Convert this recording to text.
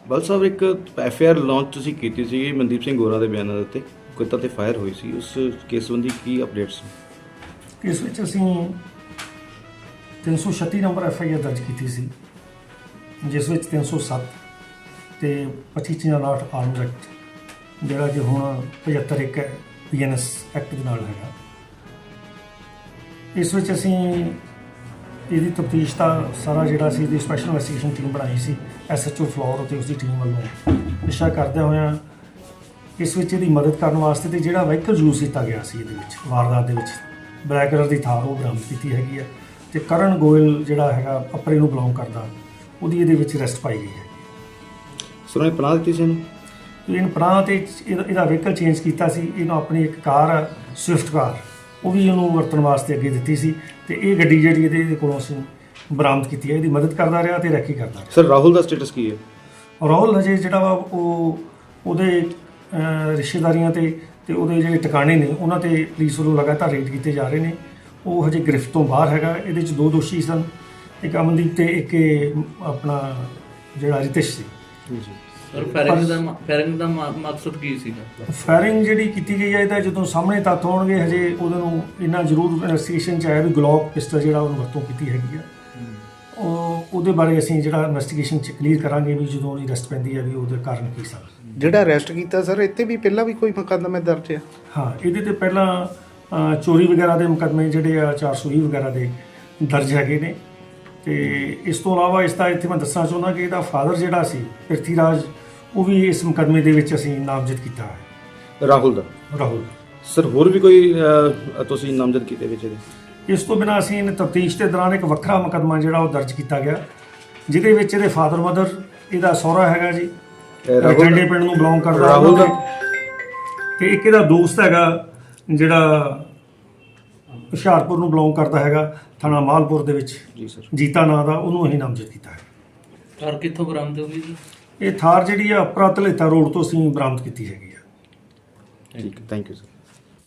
ਬਲ ਸਾਹਿਬ ਇੱਕ FIR launch ਤੁਸੀਂ ਕੀਤੀ ਸੀ ਮਨਦੀਪ ਸਿੰਘ ਗੋਰਾ ਦੇ ਬਿਆਨਾਂ ਦੇ ਉੱਤੇ ਕੁੱਤਾ ਤੇ ਫਾਇਰ ਹੋਈ ਸੀ, ਉਸ ਕੇਸ ਸੰਬੰਧੀ ਕੀ ਅਪਡੇਟਸ? ਇਸ ਵਿੱਚ ਅਸੀਂ 336 ਨੰਬਰ ਐਫਆਈਆਰ ਦਰਜ ਕੀਤੀ ਸੀ, ਜਿਸ ਵਿੱਚ 307 ਤੇ 25/59 ਆਰਮਜ਼ ਐਕਟ ਜਿਹੜਾ ਕਿ ਹੁਣ 75 ਇੱਕ ਪੀਐਨਐਸ ਐਕਟ ਦੇ ਨਾਲ ਹੈਗਾ। ਇਸ ਵਿੱਚ ਅਸੀਂ ਇਹਦੀ ਤਫਤੀਸ਼ ਦਾ ਸਾਰਾ ਜਿਹੜਾ ਸੀ ਇਹਦੀ ਸਪੈਸ਼ਲ ਇਨਵੈਸਟੀਗੇਸ਼ਨ ਟੀਮ ਬਣਾਈ ਸੀ ਐਸਐਚਓ ਫਲੋਰ ਅਤੇ ਉਸਦੀ ਟੀਮ ਵੱਲੋਂ ਪਿੱਛਾ ਕਰਦਿਆਂ ਹੋਇਆਂ ਇਸ ਵਿੱਚ ਇਹਦੀ ਮਦਦ ਕਰਨ ਵਾਸਤੇ ਤੇ ਜਿਹੜਾ ਵਹੀਕਲ ਯੂਜ਼ ਕੀਤਾ ਗਿਆ ਸੀ ਇਹਦੇ ਵਿੱਚ ਵਾਰਦਾਤ ਦੇ ਵਿੱਚ ਬਲੈਕ ਕਲਰ ਦੀ ਥਾਰ ਉਹ ਬਰਾਮਦ ਕੀਤੀ ਹੈਗੀ ਆ ਤੇ ਕਰਨ ਗੋਇਲ ਜਿਹੜਾ ਹੈਗਾ ਅਪਰੇ ਨੂੰ ਬਿਲੋਂਗ ਕਰਦਾ ਉਹਦੀ ਇਹਦੇ ਵਿੱਚ ਅਰੈਸਟ ਪਾਈ ਗਈ ਹੈ। ਸਰ ਉਹਨੇ ਪਨਾਹ ਦਿੱਤੀ ਸੀ ਇਹਨੂੰ? ਇਹਨ ਪਨਾਹ ਤੇ ਇਹਦਾ ਵਹੀਕਲ ਚੇਂਜ ਕੀਤਾ ਸੀ, ਇਹਨੂੰ ਆਪਣੀ ਇੱਕ ਕਾਰ ਸਵਿਫਟ ਕਾਰ ਉਹ ਵੀ ਉਹਨੂੰ ਵਰਤਣ ਵਾਸਤੇ ਅੱਗੇ ਦਿੱਤੀ ਸੀ ਤੇ ਇਹ ਗੱਡੀ ਜਿਹੜੀ ਇਹਦੇ ਕੋਲੋਂ ਅਸੀਂ ਬਰਾਮਦ ਕੀਤੀ ਹੈ। ਇਹਦੀ ਮਦਦ ਕਰਦਾ ਰਿਹਾ ਤੇ ਰੈਕੀ ਕਰਦਾ ਰਿਹਾ। ਸਰ ਰਾਹੁਲ ਦਾ ਸਟੇਟਸ ਕੀ ਹੈ? ਰਾਹੁਲ ਹਜੇ ਜਿਹੜਾ ਵਾ ਉਹਦੇ ਰਿਸ਼ਤੇਦਾਰੀਆਂ ਤੇ ਉਹਦੇ ਜਿਹੜੇ ਟਿਕਾਣੇ ਨੇ ਉਹਨਾਂ ਤੇ ਪੁਲਿਸ ਵੱਲੋਂ ਲਗਾਤਾਰ ਰੇਡ ਕੀਤੇ ਜਾ ਰਹੇ ਨੇ। ਉਹ ਹਜੇ ਗ੍ਰਿਫਤ ਤੋਂ ਬਾਹਰ ਹੈਗਾ। ਇਹਦੇ 'ਚ 2 ਦੋਸ਼ੀ ਸਨ, ਇੱਕ ਅਮਨਦੀਪ ਤੇ ਇੱਕ ਆਪਣਾ ਜਿਹੜਾ ਰਿਤਿਸ਼ ਸੀ। ਜੀ ਸਰ ਫਾਇਰਿੰਗ ਦਾ ਮਕਸਦ ਕੀ ਸੀਗਾ? ਫਾਇਰਿੰਗ ਜਿਹੜੀ ਕੀਤੀ ਗਈ ਹੈ ਇਹਦਾ ਜਦੋਂ ਸਾਹਮਣੇ ਤੱਥ ਹੋਣਗੇ ਹਜੇ ਉਹਦੇ ਨੂੰ ਇੰਨਾ ਜ਼ਰੂਰ ਇਨਵੈਸਟੀਗੇਸ਼ਨ 'ਚ ਆਇਆ ਵੀ ਗਲੋਕ ਪਿਸਟਲ ਜਿਹੜਾ ਉਹਨੂੰ ਵਰਤੋਂ ਕੀਤੀ ਹੈਗੀ ਆ। ਉਹਦੇ ਬਾਰੇ ਅਸੀਂ ਜਿਹੜਾ ਇਨਵੈਸਟੀਗੇਸ਼ਨ 'ਚ ਕਲੀਅਰ ਕਰਾਂਗੇ ਵੀ ਜਦੋਂ ਉਹਦੀ ਅਰੈਸਟ ਪੈਂਦੀ ਹੈ ਵੀ ਉਹਦੇ ਕਾਰਨ ਕੀ ਸਨ। ਜਿਹੜਾ ਅਰੈਸਟ ਕੀਤਾ ਸਰ ਇੱਥੇ ਵੀ ਪਹਿਲਾਂ ਵੀ ਕੋਈ ਮੁਕੱਦਮੇ ਦਰਜ ਹੈ? ਹਾਂ, ਇਹਦੇ ਤੇ ਪਹਿਲਾਂ ਚੋਰੀ ਵਗੈਰਾ ਦੇ ਮੁਕੱਦਮੇ ਜਿਹੜੇ ਆ 420 ਵਗੈਰਾ ਦੇ ਦਰਜ ਹੈਗੇ ਨੇ। ਤੇ ਇਸ ਤੋਂ ਇਲਾਵਾ ਇਸ ਦਾ ਇੱਥੇ ਮੈਂ ਦੱਸਣਾ ਚਾਹੁੰਦਾ ਕਿ ਇਹਦਾ ਫਾਦਰ ਜਿਹੜਾ ਸੀ ਪ੍ਰਿਥੀ ਰਾਜ ਉਹ ਵੀ ਇਸ ਮੁਕੱਦਮੇ ਦੇ ਵਿੱਚ ਅਸੀਂ ਨਾਮਜ਼ਦ ਕੀਤਾ ਹੈ। ਰਾਹੁਲ ਸਰ ਹੋਰ ਵੀ ਕੋਈ ਤੁਸੀਂ ਨਾਮਜ਼ਦ ਕੀਤੇ ਵਿੱਚ ਇਹਦੇ? ਇਸ ਤੋਂ ਬਿਨਾਂ ਅਸੀਂ ਤਫਤੀਸ਼ ਦੇ ਦੌਰਾਨ ਇੱਕ ਵੱਖਰਾ ਮੁਕੱਦਮਾ ਜਿਹੜਾ ਉਹ ਦਰਜ ਕੀਤਾ ਗਿਆ ਜਿਹਦੇ ਵਿੱਚ ਇਹਦੇ ਫਾਦਰ ਮਦਰ, ਇਹਦਾ ਸਹੁਰਾ ਹੈਗਾ ਜੀ ਠੰਡੇ ਪਿੰਡ ਨੂੰ ਬਿਲੋਂਗ ਕਰਦਾ ਰਾਹੁਲ ਦਾ, ਤੇ ਇੱਕ ਇਹਦਾ ਦੋਸਤ ਹੈਗਾ ਜਿਹੜਾ ਹੁਸ਼ਿਆਰਪੁਰ ਨੂੰ ਬਿਲੋਂਗ ਕਰਦਾ ਹੈਗਾ ਥਾਣਾ ਮਾਲਪੁਰ ਦੇ ਵਿੱਚ। ਜੀ ਸਰ। ਜੀਤਾ ਨਾਂ ਦਾ, ਉਹਨੂੰ ਅਸੀਂ ਨਾਮਜ਼ਦ ਕੀਤਾ ਹੈ। ਥਾਰ ਕਿੱਥੋਂ ਬਰਾਮਦ ਹੋਈ ਜੀ? ਇਹ ਥਾਰ ਜਿਹੜੀ ਆ ਅਪਰਾ ਧਲੇਤਾ ਰੋਡ ਤੋਂ ਅਸੀਂ ਬਰਾਮਦ ਕੀਤੀ ਹੈਗੀ ਆ। ਠੀਕ ਹੈ, ਥੈਂਕ ਯੂ ਸਰ।